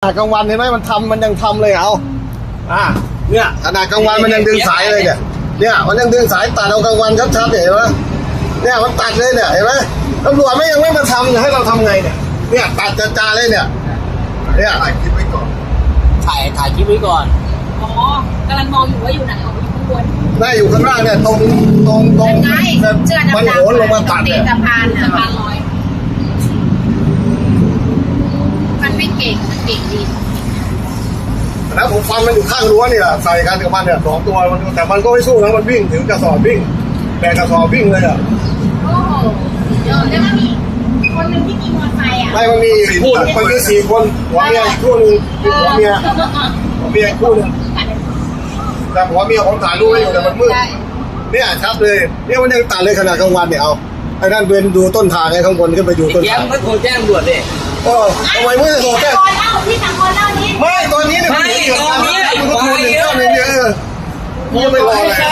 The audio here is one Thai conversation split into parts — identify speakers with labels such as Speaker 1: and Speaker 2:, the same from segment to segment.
Speaker 1: กลางวันเห็นไหมมันยังทำเลยเอาเนี่ยขนาดกลางวันมันยังดึงสายเลยเนี่ยมันยังดึงสายตัดเอากลางวันชัดๆเห็นไหมเนี่ยมันตัดเลยเนี่ยเห็นไหมตำรวจยังไม่มาทำให้เราทำไงเนี่ยตัดจ้าเลยเนี่ยถ่ายคลิปไว้ก่อน
Speaker 2: ถ่ายคลิปไว้ก่อน
Speaker 3: อ๋อกำลังมองอยู่ว่าอยู่ไหนอยู่ข้างบน
Speaker 1: ได้อยู่ข้างล่างเนี่ยตรงมันโหนลงมาตัดเนี่ย
Speaker 3: สะพานลอยมันไม่เก่งมันเก่งดี
Speaker 1: แล้วผมฟันมันอยู่ข้างรั้วนี่แหละใส่กันกับมันเนี่ย2 ตัวแต่มันก็ไม่สู้นะมันวิ่งถึงกระสอบวิ่งแบกกระสอบวิ่งเลยอ่ะ
Speaker 3: โอ้โหแล้วมันมีคนหนึ่งที่มีมอเตอร์ไซค์อ่ะ
Speaker 1: ไม่มันมี4 คนหัวเมียอีกคู่นึงหัวเมียอีกคู่นึงแต่หัวเมียผมถ่ายรูปไว้อยู่แต่มันมืดเนี่ยชัดเลยเนี่ยมันยังตัดเลยขนาดกลางวันเนี่ยเอาไอ้นั่นเป็นดูต้นทางไอ้ข้างบนขึ้นไปดูต้นทาง
Speaker 2: ไม่โทรแจ้งตำรวจดิ
Speaker 1: ทำไมไม่โทรแจ้ง
Speaker 3: ที่ทางคนเล่านี้
Speaker 1: ไม่ตอนนี้เนี่ยมันตอนนี้มันก็โทร191เนี่ยยังไม่รอเลย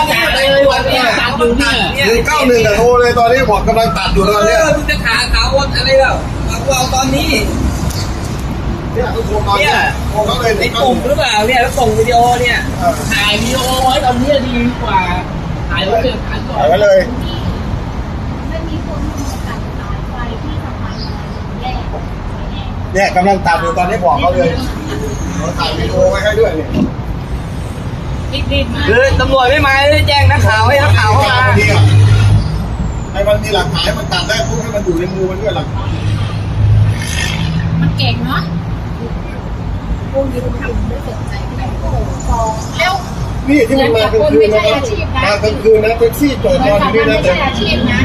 Speaker 1: 191แต่โทรเลยตอนนี้บอกกำลังตัดอยู่ตอนนี้
Speaker 2: มึงจะขาเขาอะไรแล้วเอาตอนนี้
Speaker 1: เนี่ยโทรตอนนี้โทรเขาเลย
Speaker 2: ในกลุ่มหรือเปล่าเนี่ยแล้วส่งวิดีโอเนี่ยถ่ายวิดีโอไว้ตอนนี้ดีกว่าถ่ายไว้เลย
Speaker 1: ถ่ายไว้เลย
Speaker 3: ไม่มีคนมาตัดสายไฟที่สะพานแยก
Speaker 1: เนี่ยกำลังตัดอยู่ตอนนี้บอกเขาเลยเราถ่ายวิดีโอไว้ให้ด้วยเนี่ย
Speaker 3: รีบมา
Speaker 2: คือตำรวจไม่มาเลยแจ้งนักข่าวให้นักข่าวเข้ามา
Speaker 1: ให้มันมีหลักฐานมันตัดได้พวกให้มันอยู่ในมือมันด้วยหลักฐาน
Speaker 3: มันเก่งเนาะพวกนี้ทำไม่สนใจใครโอ้โหแล้ว
Speaker 1: นี่ที่มันมากลางคืนนะครับมากลางคืนนะแท็กซี่จอดนอนอยู่นี่นะแต่
Speaker 3: อาชีพนะ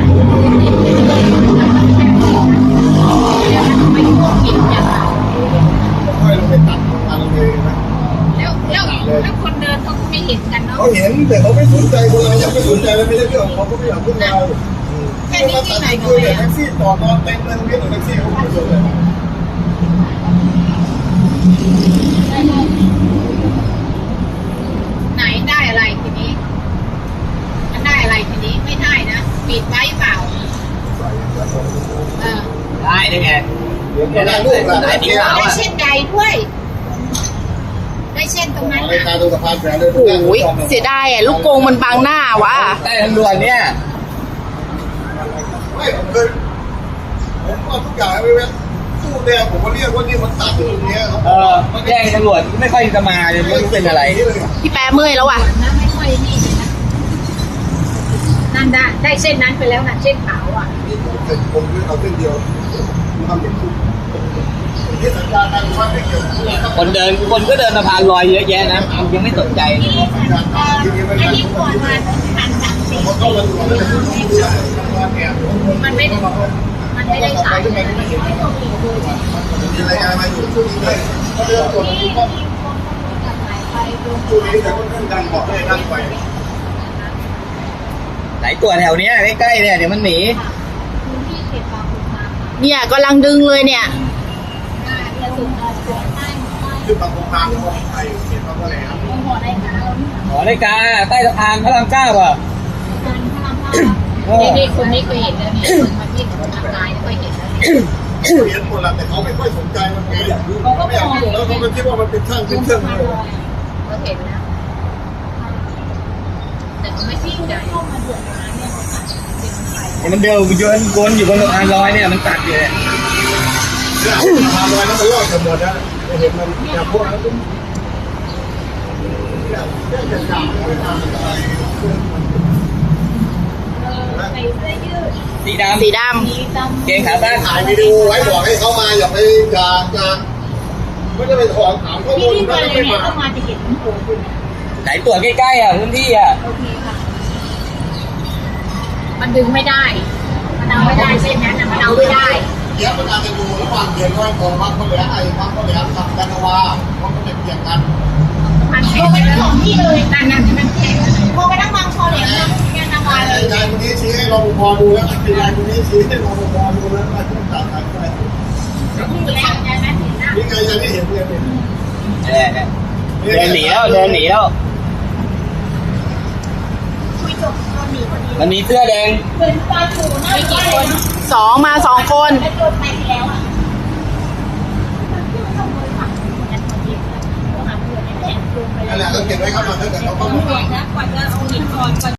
Speaker 3: ไม่พวกกินอย่างไร
Speaker 1: ค่อยลงไปตัดมันเลยนะ
Speaker 3: แล้วคนเดินเขาไม่เห็นกันเนาะ
Speaker 1: เขาเห็นแต่เขาไม่สนใจคนเรายังไม่สนใจเลยไม่ใช่เรื่องเขาไม่อยากพูดเรา
Speaker 3: แค่นี้ที่ไหนก็
Speaker 1: ไม่แท็กซี่จอดนอนเต็มเลยตรงนี้แท็กซี่เขาไม่สนใจ
Speaker 3: ไหนได้อะไรทีนี้มันได้อะไรทีนี้ไม่ได้นะปิดไว้เปล่า
Speaker 2: ได้ไง
Speaker 1: ได้ลูกละได้
Speaker 3: เช่นใดด้วยได้เช่นตรงนั้น
Speaker 1: ไปตาดูสะพานแฝงเลย
Speaker 4: โอ้ยเสียดายอ่ะลูกกงมันบังหน้าวะ
Speaker 2: ได้ตำรวจเนี่ย
Speaker 1: ไม่ผมเอาทุกอย่างไปเว้นตู้แดงผมก็เรียกว่านี่มันตัดอยู่ตรงนี้
Speaker 2: แจ้งตำรวจไม่ค่อยจะมาเลยไม่รู้เป็นอะไร
Speaker 4: พี่แปรเมื่อยแล้วว่ะ
Speaker 3: ไม่ค่อยนี่เลยนะนั่นได้เส้นนั้นไปแล้วนะเส้นขาวอ่ะ
Speaker 1: ผมเอาเส้นเดียวทำเป็นคู่
Speaker 2: คนก็เดินสะพานลอยเยอะแยะนะยังไม่สนใจเลย
Speaker 3: ไอ้ที่ก่อนมาหันหลังสิมันไม่ได้ฉาย
Speaker 1: มีรายงานมาอยู่ช่วงนี้เลยเขาเดินตรวจที่ช่วงนี้แต่ก็เรื่องดังบอกให้ดังไป
Speaker 2: ไหนตัวแถวเนี้ยใกล้ๆเนี่ยเดี๋ยวมันหนี
Speaker 4: เนี่ยกำลังดึงเลยเนี่ย
Speaker 1: คือบางโครงการของไทยเขียนว่าอะไรครับ
Speaker 2: หอนาฬิกาใต้สะพานพระราม9อ่ะ
Speaker 3: นี่คนนี้เคยเห็นแล้วเนี่ยมาที่ทางกายเคยเห็นแล้ว
Speaker 1: เรียนหมดแล้วแต่เขาไม่ค่อยสนใจมันไงเขาก็ไม่อยากยุ่งแล้วเขาคิดว่ามันเป็นช่างเป็นเครื่องเลย
Speaker 3: ก็เห็นนะแต่ก็ไม่ทิ้งใจเข้ามาเดือดร้อนเนี่ย
Speaker 2: มันเดินวนอยู่บนสะพานลอยเนี่ยมันตัดอยู่
Speaker 1: สะพานลอยนั้นมันลอยกันหมดนะเห็นมันอย่างพวกนั้นจะจับไปทำอะไร
Speaker 2: สีดำเกงขาสั้น
Speaker 1: ถ่ายวิดีโอไว้บอกให้เขามาอย่าไปไม่ได้ไปถอนถามข้อมูล
Speaker 3: ไม่ได้ไปเข้ามาจะเห็นโผล่คุณ
Speaker 2: ไหนตัวใกล้ๆอ่ะพื้นที่อ่ะ
Speaker 3: โอเคค่ะมันดึงไม่ได้มันเอาไม่ได้เส้นนั้นมันเอาไม่ได้
Speaker 1: เดี๋ยวมันจะดูระหว่างเดือนว่าของวัดเขาเหลือไอ้วัดเขาเหลือทำกันวาเขาก็จะเกี่ยงกัน
Speaker 3: มันแข็งไปทั้งสองที่เลยนั่นมันแข็งโมไปทั้งบางคอเหลี่ยมทั้งแกนนาวาเลย
Speaker 1: ยายคนนี้ชี้ให้รปภดูแล้วยายคนนี้ชี้ให้รปภดูแล้วมาที่ตัดสายไฟ
Speaker 3: นี่ไงยังไม่
Speaker 1: เห็นเลย
Speaker 2: เดินหนีแล้ว
Speaker 3: คุยจบตอนหนีพอดี
Speaker 2: มันมีเสื้อแดง
Speaker 3: เป็นปลาถูน่ากี่คน
Speaker 4: 2 มา 2 คน
Speaker 3: โดนไปแล้วอ่ะ
Speaker 1: นั่นแหละเราเก็บไว้เข้ามาตั้งแต่เขาเข้ามา
Speaker 3: กว่าจะเอาหินก่อน